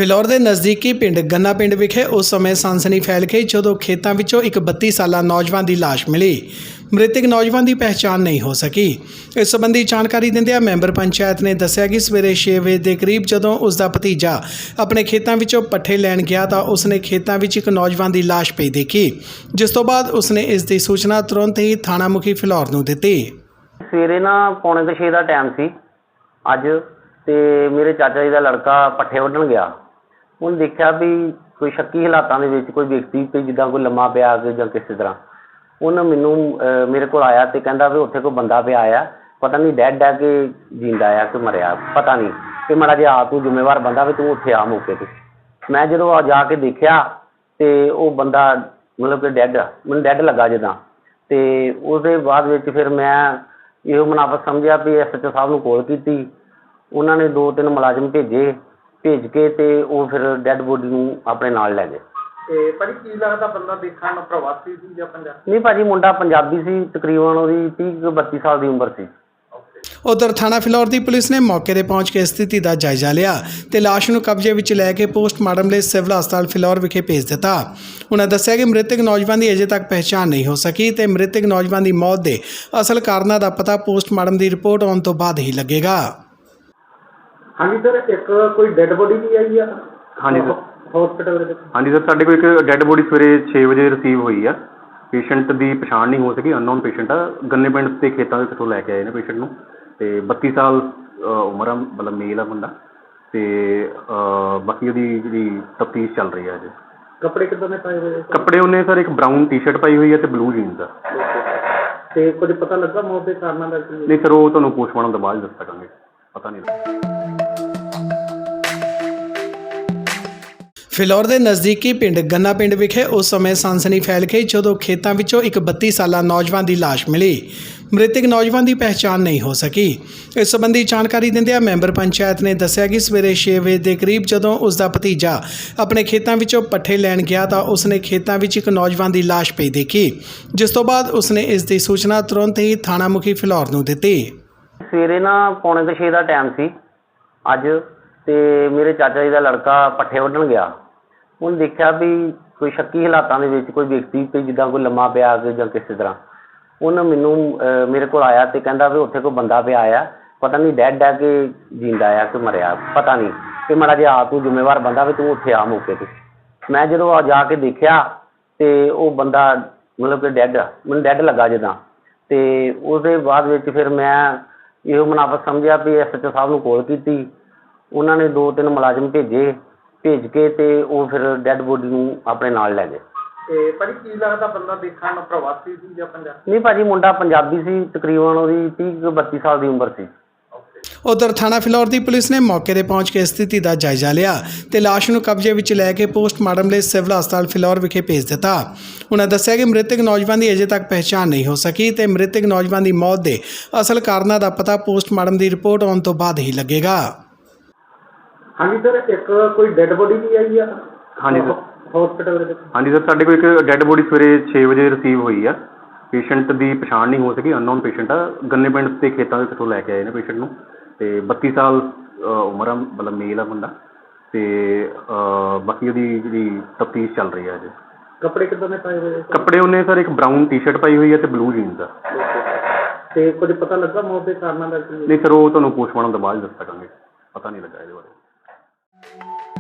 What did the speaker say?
ਫਿਲੌਰ ਦੇ ਨਜ਼ਦੀਕੀ ਪਿੰਡ ਗੰਨਾ ਪਿੰਡ ਵਿਖੇ ਉਸ ਸਮੇਂ ਸਨਸਨੀ ਫੈਲ ਗਈ ਜਦੋਂ ਖੇਤਾਂ ਵਿੱਚੋਂ ਇੱਕ 32 ਸਾਲਾ ਨੌਜਵਾਨ ਦੀ ਲਾਸ਼ ਮਿਲੀ। ਮ੍ਰਿਤਕ ਨੌਜਵਾਨ ਦੀ ਪਹਿਚਾਣ ਨਹੀਂ ਹੋ ਸਕੀ। ਇਸ ਸੰਬੰਧੀ ਜਾਣਕਾਰੀ ਦਿੰਦਿਆਂ ਮੈਂਬਰ ਪੰਚਾਇਤ ਨੇ ਦੱਸਿਆ ਕਿ ਸਵੇਰੇ 6 ਵਜੇ ਦੇ ਕਰੀਬ ਜਦੋਂ ਉਸ ਦਾ ਭਤੀਜਾ ਆਪਣੇ ਖੇਤਾਂ ਵਿੱਚੋਂ ਪੱਠੇ ਲੈਣ ਗਿਆ ਤਾਂ ਉਸਨੇ ਖੇਤਾਂ ਵਿੱਚ ਇੱਕ ਨੌਜਵਾਨ ਦੀ ਲਾਸ਼ ਪਈ ਦੇਖੀ, ਜਿਸ ਤੋਂ ਬਾਅਦ ਉਸਨੇ ਇਸ ਦੀ ਸੂਚਨਾ ਤੁਰੰਤ ਹੀ ਥਾਣਾ ਮੁਖੀ ਫਿਲੌਰ ਨੂੰ ਦਿੱਤੀ। ਸਵੇਰੇ ਨਾ 5:45 ਦਾ ਟਾਈਮ ਸੀ ਅੱਜ, ਤੇ ਮੇਰੇ ਚਾਚਾ ਜੀ ਦਾ ਲੜਕਾ ਪੱਠੇ ਵੱਢਣ ਗਿਆ। ਉਹਨੇ ਦੇਖਿਆ ਵੀ ਕੋਈ ਸ਼ੱਕੀ ਹਾਲਾਤਾਂ ਦੇ ਵਿੱਚ ਕੋਈ ਵਿਅਕਤੀ ਤੇ ਜਿੱਦਾਂ ਕੋਈ ਲੰਮਾ ਪਿਆ ਕੇ ਜਾਂ ਕਿਸੇ ਤਰ੍ਹਾਂ ਉਹਨੇ ਮੇਰੇ ਕੋਲ ਆਇਆ ਤੇ ਕਹਿੰਦਾ ਵੀ ਉੱਥੇ ਕੋਈ ਬੰਦਾ ਪਿਆ ਆ, ਪਤਾ ਨਹੀਂ ਡੈਡ ਆ ਕਿ ਜਿੰਦਾ ਆ ਕਿ ਮਰਿਆ ਪਤਾ ਨਹੀਂ, ਤੇ ਮਾੜਾ ਜਿਹਾ ਆ ਤੂੰ ਜ਼ਿੰਮੇਵਾਰ ਬੰਦਾ ਵੀ ਤੂੰ ਉੱਥੇ ਆ ਮੌਕੇ ਤੇ। ਮੈਂ ਜਦੋਂ ਆ ਜਾ ਕੇ ਦੇਖਿਆ ਤੇ ਉਹ ਬੰਦਾ ਮਤਲਬ ਕਿ ਮੈਨੂੰ ਡੈਡ ਲੱਗਾ ਜਿੱਦਾਂ। ਤੇ ਉਹਦੇ ਬਾਅਦ ਵਿੱਚ ਫਿਰ ਮੈਂ ਇਹੋ ਮੁਨਾਫਤ ਸਮਝਿਆ ਵੀ SHO ਸਾਹਿਬ ਨੂੰ ਕਾਲ ਕੀਤੀ। ਉਹਨਾਂ ਨੇ 2-3 ਮੁਲਾਜ਼ਮ ਭੇਜ ਕੇ ਤੇ ਉਹ ਫਿਰ ਡੈਡ ਬੋਡੀ ਨੂੰ ਆਪਣੇ ਨਾਲ ਲੈ ਗਏ। ਤੇ ਭਾਜੀ ਕੀ ਲੱਗਦਾ ਬੰਦਾ ਦੇਖਣ ਨੂੰ ਪ੍ਰਵਾਸੀ ਸੀ ਜਾਂ ਪੰਜਾਬੀ? ਨਹੀਂ ਭਾਜੀ, ਮੁੰਡਾ ਪੰਜਾਬੀ ਸੀ, ਤਕਰੀਬਨ ਉਹਦੀ 30-32 ਸਾਲ ਦੀ ਉਮਰ ਸੀ। ਉਧਰ ਥਾਣਾ ਫਿਲੌਰ ਦੀ ਪੁਲਿਸ ਨੇ ਮੌਕੇ ਤੇ ਪਹੁੰਚ ਕੇ ਸਥਿਤੀ ਦਾ ਜਾਇਜ਼ਾ ਲਿਆ ਤੇ ਲਾਸ਼ ਨੂੰ ਕਬਜ਼ੇ ਵਿੱਚ ਲੈ ਕੇ ਪੋਸਟਮਾਰਟਮ ਲਈ ਸਿਵਲ ਹਸਪਤਾਲ ਫਿਲੌਰ ਵਿਖੇ ਭੇਜ ਦਿੱਤਾ। ਉਹਨਾਂ ਦੱਸਿਆ ਕਿ ਮ੍ਰਿਤਕ ਨੌਜਵਾਨ ਦੀ ਅਜੇ ਤੱਕ ਪਹਿਚਾਣ ਨਹੀਂ ਹੋ ਸਕੀ ਤੇ ਮ੍ਰਿਤਕ ਨੌਜਵਾਨ ਦੀ ਮੌਤ ਦੇ ਅਸਲ ਕਾਰਨਾਂ ਦਾ ਪਤਾ ਪੋਸਟਮਾਰਟਮ ਦੀ ਰਿਪੋਰਟ ਆਉਣ ਤੋਂ ਬਾਅਦ ਹੀ ਲੱਗੇਗਾ। ਹਾਂਜੀ ਸਰ, ਇੱਕ ਕੋਈ ਡੈਡ ਬੋਡੀ ਵੀ ਆਈ ਆ? ਹਾਂਜੀ ਸਰ, ਹਸਪੀਟਲ ਦੇ ਵਿੱਚ। ਹਾਂਜੀ ਸਰ, ਸਾਡੇ ਕੋਲ ਇੱਕ ਡੈੱਡ ਬੋਡੀ ਸਵੇਰੇ 6 ਵਜੇ ਰਿਸੀਵ ਹੋਈ ਆ। ਪੇਸ਼ੈਂਟ ਦੀ ਪਛਾਣ ਨਹੀਂ ਹੋ ਸਕੀ, ਅਨਨੋਨ ਪੇਸ਼ੈਂਟ ਆ। ਗੰਨੇ ਪਿੰਡ ਦੇ ਖੇਤਾਂ ਦੇ ਕਿਤੋਂ ਲੈ ਕੇ ਆਏ ਨੇ ਪੇਸ਼ੈਂਟ ਨੂੰ, ਤੇ 32 ਸਾਲ ਉਮਰ ਆ, ਮਤਲਬ ਮੇਲ ਆ ਬੰਦਾ। ਤੇ ਬਾਕੀ ਉਹਦੀ ਜਿਹੜੀ ਤਫਤੀਸ਼ ਚੱਲ ਰਹੀ ਹੈ ਅਜੇ। ਕੱਪੜੇ ਕਿੱਦਾਂ ਦੇ ਪਾਏ ਹੋਏ? ਕੱਪੜੇ ਉਹਨੇ ਸਰ ਇੱਕ ਬਰਾਊਨ ਟੀ-ਸ਼ਰਟ ਪਾਈ ਹੋਈ ਹੈ ਤੇ ਬਲੂ ਜੀਨਸ ਆ। ਤੇ ਕੁਝ ਪਤਾ ਲੱਗਾ ਮੌਤ ਦੇ ਕਾਰਨਾਂ ਦਾ? ਨਹੀਂ ਸਰ, ਉਹ ਤੁਹਾਨੂੰ ਪੋਸਟਮਾਰਟਮ ਤੋਂ ਬਾਅਦ ਦੱਸ ਸਕਾਂਗੇ, ਪਤਾ ਨਹੀਂ ਲੱਗਾ। ਫਿਲੌਰ ਦੇ ਨਜ਼ਦੀਕੀ ਪਿੰਡ ਗੰਨਾ ਪਿੰਡ ਵਿਖੇ ਉਸ ਸਮੇਂ ਸਨਸਨੀ ਫੈਲ ਗਈ ਜਦੋਂ ਖੇਤਾਂ ਵਿੱਚੋਂ ਇੱਕ 32 ਸਾਲਾ ਨੌਜਵਾਨ ਦੀ ਲਾਸ਼ ਮਿਲੀ। ਮ੍ਰਿਤਕ ਨੌਜਵਾਨ ਦੀ ਪਹਿਚਾਣ ਨਹੀਂ ਹੋ ਸਕੀ। ਇਸ ਸੰਬੰਧੀ ਜਾਣਕਾਰੀ ਦਿੰਦਿਆਂ ਮੈਂਬਰ ਪੰਚਾਇਤ ਨੇ ਦੱਸਿਆ ਕਿ ਸਵੇਰੇ 6 ਵਜੇ ਦੇ ਕਰੀਬ ਜਦੋਂ ਉਸ ਦਾ ਭਤੀਜਾ ਆਪਣੇ ਖੇਤਾਂ ਵਿੱਚੋਂ ਪੱਠੇ ਲੈਣ ਗਿਆ ਤਾਂ ਉਸਨੇ ਖੇਤਾਂ ਵਿੱਚ ਇੱਕ ਨੌਜਵਾਨ ਦੀ ਲਾਸ਼ ਪਈ ਦੇਖੀ, ਜਿਸ ਤੋਂ ਬਾਅਦ ਉਸਨੇ ਇਸ ਦੀ ਸੂਚਨਾ ਤੁਰੰਤ ਹੀ ਥਾਣਾ ਮੁਖੀ ਫਿਲੌਰ ਨੂੰ ਦਿੱਤੀ। ਸਵੇਰੇ ਨਾ 5:45 ਦਾ ਟਾਈਮ ਸੀ ਅੱਜ, ਤੇ ਮੇਰੇ ਚਾਚਾ ਜੀ ਦਾ ਲੜਕਾ ਪੱਠੇ ਵੱਢਣ ਗਿਆ। ਉਹਨੇ ਦੇਖਿਆ ਵੀ ਕੋਈ ਸ਼ੱਕੀ ਹਾਲਾਤਾਂ ਦੇ ਵਿੱਚ ਕੋਈ ਵਿਅਕਤੀ ਤੇ ਜਿੱਦਾਂ ਕੋਈ ਲੰਮਾ ਪਿਆ ਕੇ ਜਾਂ ਕਿਸੇ ਤਰ੍ਹਾਂ ਉਹਨੇ ਮੇਰੇ ਕੋਲ ਆਇਆ ਤੇ ਕਹਿੰਦਾ ਵੀ ਉੱਥੇ ਕੋਈ ਬੰਦਾ ਪਿਆ ਆ, ਪਤਾ ਨਹੀਂ ਡੈਡ ਆ ਕਿ ਜਿੰਦਾ ਆ ਕਿ ਮਰਿਆ ਪਤਾ ਨਹੀਂ, ਤੇ ਮਾੜਾ ਜਿਹਾ ਆ ਤੂੰ ਜ਼ਿੰਮੇਵਾਰ ਬੰਦਾ ਵੀ ਤੂੰ ਉੱਥੇ ਆ ਮੌਕੇ ਤੇ। ਮੈਂ ਜਦੋਂ ਆ ਜਾ ਕੇ ਦੇਖਿਆ ਤੇ ਉਹ ਬੰਦਾ ਮਤਲਬ ਕਿ ਮੈਨੂੰ ਡੈਡ ਲੱਗਾ ਜਿੱਦਾਂ। ਤੇ ਉਹਦੇ ਬਾਅਦ ਵਿੱਚ ਫਿਰ ਮੈਂ ਇਹੋ ਮੁਨਾਫਤ ਸਮਝਿਆ ਵੀ SHO ਸਾਹਿਬ ਨੂੰ ਕਾਲ ਕੀਤੀ। ਉਹਨਾਂ ਨੇ 2-3 ਮੁਲਾਜ਼ਮ ਭੇਜ ਕੇ ਤੇ ਉਹ ਫਿਰ ਡੈਡ ਬੋਡੀ ਨੂੰ ਆਪਣੇ ਨਾਲ ਲੈ ਗਏ। ਤੇ ਭਾਜੀ ਕੀ ਲੱਗਦਾ ਬੰਦਾ ਦੇਖਣ ਨੂੰ ਪ੍ਰਵਾਸੀ ਸੀ ਜਾਂ ਪੰਜਾਬੀ? ਨਹੀਂ ਭਾਜੀ, ਮੁੰਡਾ ਪੰਜਾਬੀ ਸੀ, ਤਕਰੀਬਨ ਉਹਦੀ 30-32 ਸਾਲ ਦੀ ਉਮਰ ਸੀ। ਉਧਰ ਥਾਣਾ ਫਿਲੌਰ ਦੀ ਪੁਲਿਸ ਨੇ ਮੌਕੇ ਤੇ ਪਹੁੰਚ ਕੇ ਸਥਿਤੀ ਦਾ ਜਾਇਜ਼ਾ ਲਿਆ ਤੇ ਲਾਸ਼ ਨੂੰ ਕਬਜ਼ੇ ਵਿੱਚ ਲੈ ਕੇ ਪੋਸਟਮਾਰਟਮ ਲਈ ਸਿਵਲ ਹਸਪਤਾਲ ਫਿਲੌਰ ਵਿਖੇ ਭੇਜ ਦਿੱਤਾ। ਉਹਨਾਂ ਦੱਸਿਆ ਕਿ ਮ੍ਰਿਤਕ ਨੌਜਵਾਨ ਦੀ ਅਜੇ ਤੱਕ ਪਹਿਚਾਣ ਨਹੀਂ ਹੋ ਸਕੀ ਤੇ ਮ੍ਰਿਤਕ ਨੌਜਵਾਨ ਦੀ ਮੌਤ ਦੇ ਅਸਲ ਕਾਰਨਾਂ ਦਾ ਪਤਾ ਪੋਸਟਮਾਰਟਮ ਦੀ ਰਿਪੋਰਟ ਆਉਣ ਤੋਂ ਬਾਅਦ ਹੀ ਲੱਗੇਗਾ। ਹਾਂਜੀ ਸਰ, ਇੱਕ ਕੋਈ ਡੈਡ ਬੋਡੀ ਵੀ ਆਈ ਆ? ਹਾਂਜੀ ਸਰ, ਹਸਪੀਟਲ ਦੇ ਵਿੱਚ। ਹਾਂਜੀ ਸਰ, ਸਾਡੇ ਕੋਲ ਇੱਕ ਡੈੱਡ ਬੋਡੀ ਸਵੇਰੇ 6 ਵਜੇ ਰਿਸੀਵ ਹੋਈ ਆ। ਪੇਸ਼ੈਂਟ ਦੀ ਪਛਾਣ ਨਹੀਂ ਹੋ ਸਕੀ, ਅਨਨੋਨ ਪੇਸ਼ੈਂਟ ਆ। ਗੰਨੇ ਪਿੰਡ ਦੇ ਖੇਤਾਂ ਦੇ ਕਿਤੋਂ ਲੈ ਕੇ ਆਏ ਨੇ ਪੇਸ਼ੈਂਟ ਨੂੰ, ਤੇ 32 ਸਾਲ ਉਮਰ ਆ, ਮਤਲਬ ਮੇਲ ਆ ਬੰਦਾ। ਤੇ ਬਾਕੀ ਉਹਦੀ ਜਿਹੜੀ ਤਫਤੀਸ਼ ਚੱਲ ਰਹੀ ਹੈ ਅਜੇ। ਕੱਪੜੇ ਕਿੱਦਾਂ ਦੇ ਪਾਏ ਹੋਏ? ਕੱਪੜੇ ਉਹਨੇ ਸਰ ਇੱਕ ਬਰਾਊਨ ਟੀ-ਸ਼ਰਟ ਪਾਈ ਹੋਈ ਹੈ ਤੇ ਬਲੂ ਜੀਨਸ ਆ। ਤੇ ਕੁਝ ਪਤਾ ਲੱਗਾ ਮੌਤ ਦੇ ਕਾਰਨਾਂ ਦਾ? ਨਹੀਂ ਸਰ, ਉਹ ਤੁਹਾਨੂੰ ਪੋਸਟਮਾਰਟਮ ਤੋਂ ਬਾਅਦ ਦੱਸ ਸਕਾਂਗੇ, ਪਤਾ ਨਹੀਂ ਲੱਗਾ ਇਹਦੇ ਬਾਰੇ।